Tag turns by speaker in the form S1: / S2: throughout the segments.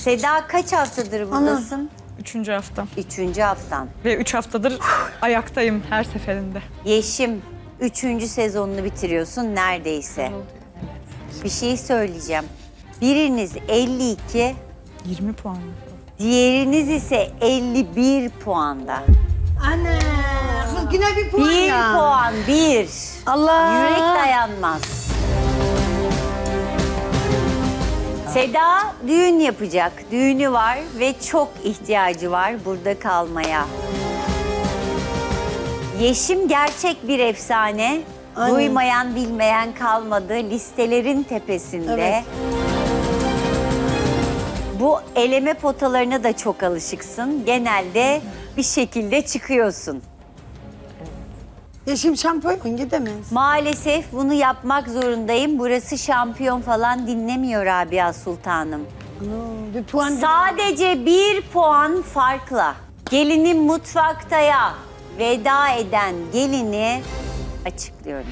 S1: Seda kaç haftadır buradasın?
S2: 3. hafta.
S1: 3. haftan.
S2: Ve 3 haftadır ayaktayım her seferinde.
S1: Yeşim 3. sezonunu bitiriyorsun neredeyse. Bir şey söyleyeceğim. Biriniz 52,
S2: 20 puan.
S1: diğeriniz ise 51 puanda.
S3: Anne, kız yine bir puan
S1: 1
S3: ya.
S1: puan, 1.
S3: Allah.
S1: Yürek dayanmaz. Seda düğün yapacak. Düğünü var ve çok ihtiyacı var burada kalmaya. Yeşim gerçek bir efsane.
S3: Aynen.
S1: Duymayan bilmeyen kalmadı. Listelerin tepesinde.
S3: Evet.
S1: Bu eleme potalarına da çok alışıksın. Genelde bir şekilde çıkıyorsun.
S3: Yeşim şampiyon gidemez.
S1: Maalesef bunu yapmak zorundayım. Burası şampiyon falan dinlemiyor Rabia Sultanım.
S3: Bir puan.
S1: Sadece 1 puan farkla gelinin mutfaktaya veda eden gelini açıklıyorum.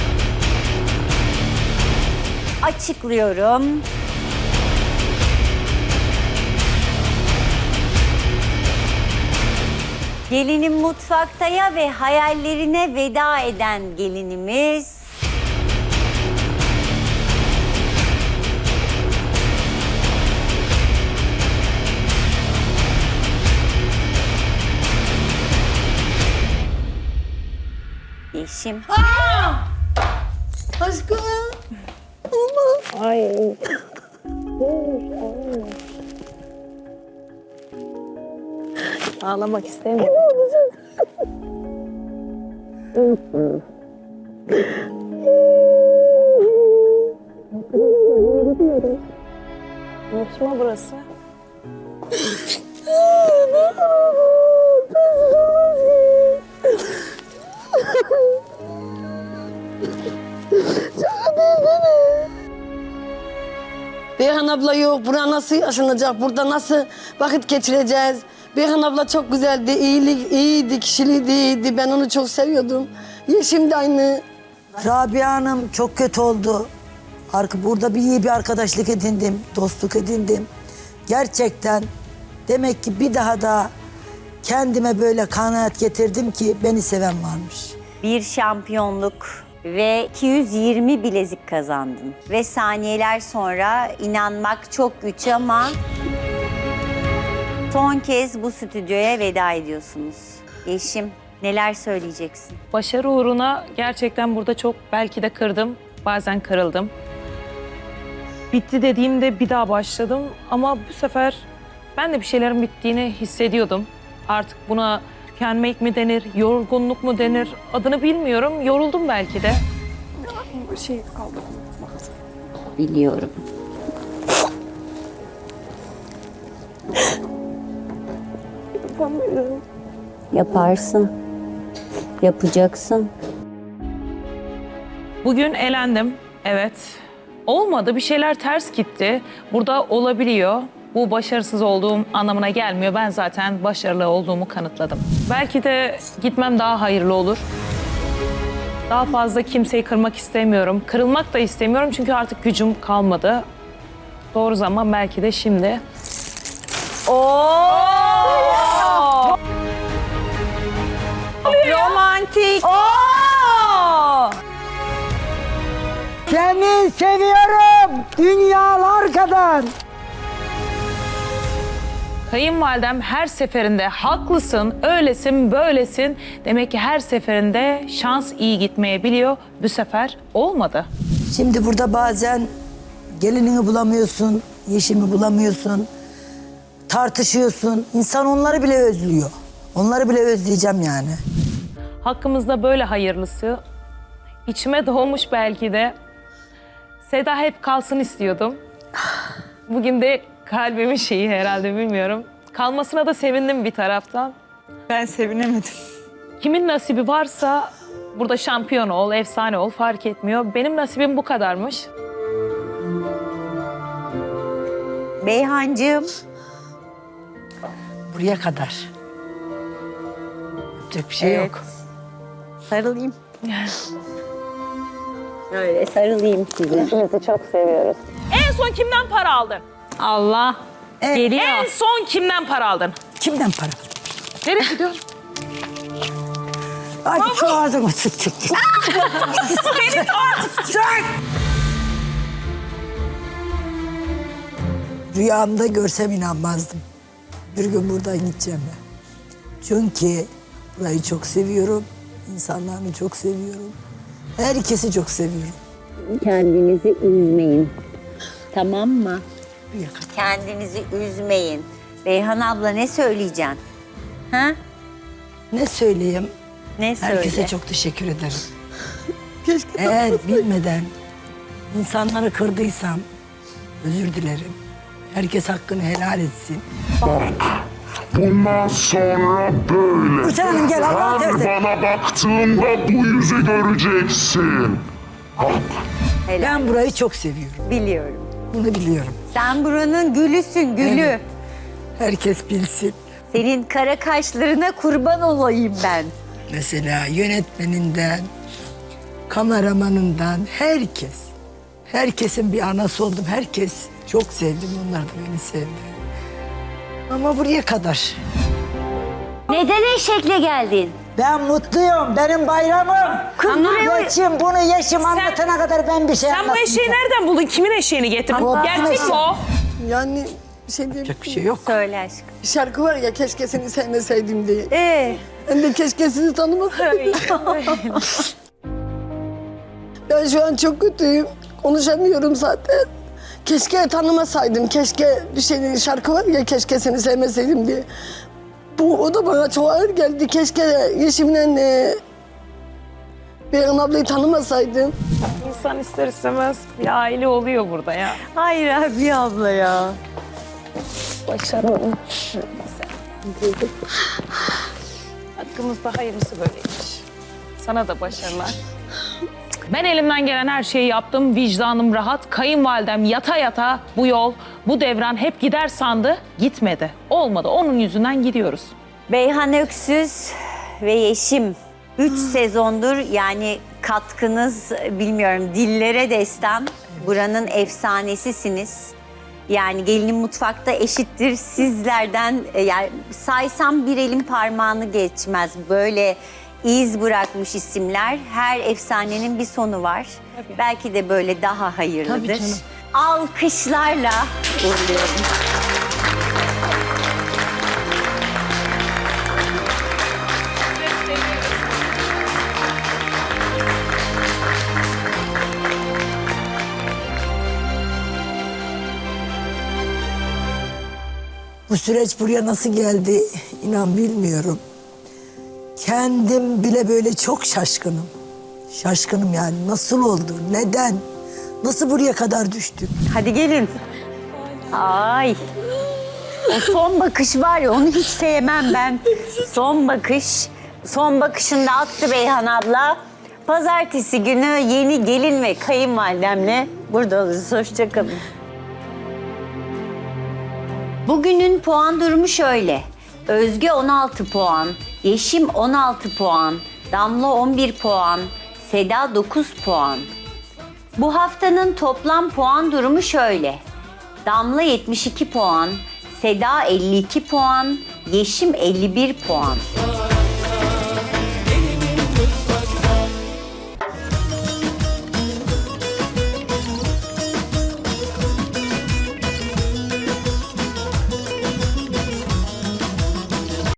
S1: Açıklıyorum. Gelinin mutfaktaya ve hayallerine veda eden gelinimiz... Yeşim.
S3: Aşkım.
S4: Ağlamak istemiyorum. Yarışma burası.
S3: Beyhan abla yok. Bura nasıl yaşanacak? Burada nasıl vakit geçireceğiz? Beyhan abla çok güzeldi. İyiydi, kişiliği iyiydi. Ben onu çok seviyordum. Yeşim de aynı.
S5: Rabia Hanım çok kötü oldu. Burada iyi bir arkadaşlık edindim, dostluk edindim. Gerçekten demek ki bir daha da kendime böyle kanaat getirdim ki beni seven varmış.
S1: Bir şampiyonluk ve 220 bilezik kazandın. Ve saniyeler sonra inanmak çok güç ama son kez bu stüdyoya veda ediyorsunuz. Yeşim, neler söyleyeceksin?
S4: Başarı uğruna gerçekten burada çok belki de kırdım. Bazen kırıldım. Bitti dediğimde bir daha başladım. Ama bu sefer ben de bir şeylerin bittiğini hissediyordum. Artık buna tükenmek mi denir, yorgunluk mu denir adını bilmiyorum. Yoruldum belki de.
S1: Biliyorum. Yaparsın. Yapacaksın.
S4: Bugün elendim. Evet. Olmadı. Bir şeyler ters gitti. Burada olabiliyor. Bu başarısız olduğum anlamına gelmiyor. Ben zaten başarılı olduğumu kanıtladım. Belki de gitmem daha hayırlı olur. Daha fazla kimseyi kırmak istemiyorum. Kırılmak da istemiyorum çünkü artık gücüm kalmadı. Doğru zaman belki de şimdi.
S1: Romantik.
S5: Seni seviyorum dünyalar kadar.
S4: Kayınvalidem her seferinde haklısın, öylesin, böylesin. Demek ki her seferinde şans iyi gitmeyebiliyor. Bu sefer olmadı.
S5: Şimdi burada bazen gelinini bulamıyorsun, yeşimi bulamıyorsun. Tartışıyorsun. İnsan onları bile özlüyor. Onları bile özleyeceğim yani.
S4: Hakkımızda böyle hayırlısı. İçime doğmuş belki de. Seda hep kalsın istiyordum. Bugün de kalbimin şeyi herhalde bilmiyorum. Kalmasına da sevindim bir taraftan.
S2: Ben sevinemedim.
S4: Kimin nasibi varsa burada şampiyon ol, efsane ol fark etmiyor. Benim nasibim bu kadarmış.
S1: Beyhancığım.
S5: Buraya kadar. Yapacak bir şey yok.
S1: Sarılayım. Öyle sarılayım size.
S4: En son kimden para aldın?
S6: Allah.
S4: En son kimden para aldın?
S5: Kimden para?
S4: Nereye gidiyorsun?
S5: Ay şu ağzımı tuttuk. Rüyamda görsem inanmazdım. Bir gün buradan gideceğim ben. Çünkü burayı çok seviyorum. İnsanlarını çok seviyorum. Herkesi çok seviyorum.
S1: Kendinizi üzmeyin. Tamam mı?
S5: Bir yakın.
S1: Kendinizi üzmeyin. Beyhan abla ne söyleyeceksin? Ha?
S5: Ne söyleyeyim?
S1: Ne söyle?
S5: Herkese çok teşekkür ederim.
S3: Keşke
S5: Eğer bilmeden insanları kırdıysam özür dilerim. Herkes hakkını helal etsin.
S6: Bundan sonra böyle.
S5: Hüseyin Hanım gel Allah'a
S6: Her
S5: tersin.
S6: bana baktığında bu yüzü göreceksin. Bak.
S5: Ben burayı çok seviyorum.
S1: Biliyorum.
S5: Bunu biliyorum.
S1: Sen buranın gülüsün, gülü.
S5: Evet. Herkes bilsin.
S1: Senin kara kaşlarına kurban olayım ben.
S5: Mesela yönetmeninden, kameramanından herkes. Herkesin bir anası oldum. Herkes çok sevdim. Onlar da beni sevdi. Ama buraya kadar.
S1: Neden eşekle geldin?
S5: Ben mutluyum. Benim bayramım.
S1: Kız buraya...
S5: Geçim bunu yaşım anlatana kadar ben bir şey
S4: Sen bu
S5: anlatmayacağım.
S4: eşeği nereden buldun? Kimin eşeğini getirdin?
S5: Ama
S4: Gerçek
S5: bizim
S4: mi o?
S3: yani bir şey diyeyim.
S5: Yapacak bir şey yok.
S1: Söyle aşkım.
S3: Bir şarkı var ya keşke seni sevmeseydim diye. Ben de keşke sizi tanımasaydım. Ben şu an çok kötüyüm. Konuşamıyorum zaten. Keşke tanımasaydım. Keşke bir şey şarkı var ya keşke seni sevmeseydim diye. O da bana çok ağır geldi. Keşke Yeşim'le Beyhan ablayı tanımasaydım.
S4: İnsan ister istemez bir aile oluyor burada ya.
S1: Hayır abi abla ya.
S4: Başaralım. Hakkımızda hayırlısı böyleymiş. Sana da başarılar. Ben elimden gelen her şeyi yaptım. Vicdanım rahat. Kayınvalidem yata yata bu yol, bu devran hep gider sandı. Gitmedi. Olmadı. Onun yüzünden gidiyoruz.
S1: Beyhan Öksüz ve Yeşim 3 sezondur yani katkınız bilmiyorum dillere destan. Buranın efsanesisiniz. Yani gelinin mutfakta eşittir sizlerden yani saysam bir elin parmağını geçmez. Böyle iz bırakmış isimler. Her efsanenin bir sonu var.
S4: Tabii.
S1: Belki de böyle daha hayırlıdır.
S3: Tabii canım.
S1: Alkışlarla uğurluyorum.
S5: Bu süreç buraya nasıl geldi inan bilmiyorum. Kendim bile böyle çok şaşkınım. Şaşkınım yani nasıl oldu, neden, nasıl buraya kadar düştük?
S1: Hadi gelin. Ay. O son bakış var ya onu hiç sevmem ben. Son bakış. Son bakışında attı Beyhan abla. Pazartesi günü yeni gelin ve kayınvalidemle burada oluruz. Hoşça kalın. Bugünün puan durumu şöyle. Özge 16 puan, Yeşim 16 puan, Damla 11 puan, Seda 9 puan. Bu haftanın toplam puan durumu şöyle. Damla 72 puan, Seda 52 puan, Yeşim 51 puan.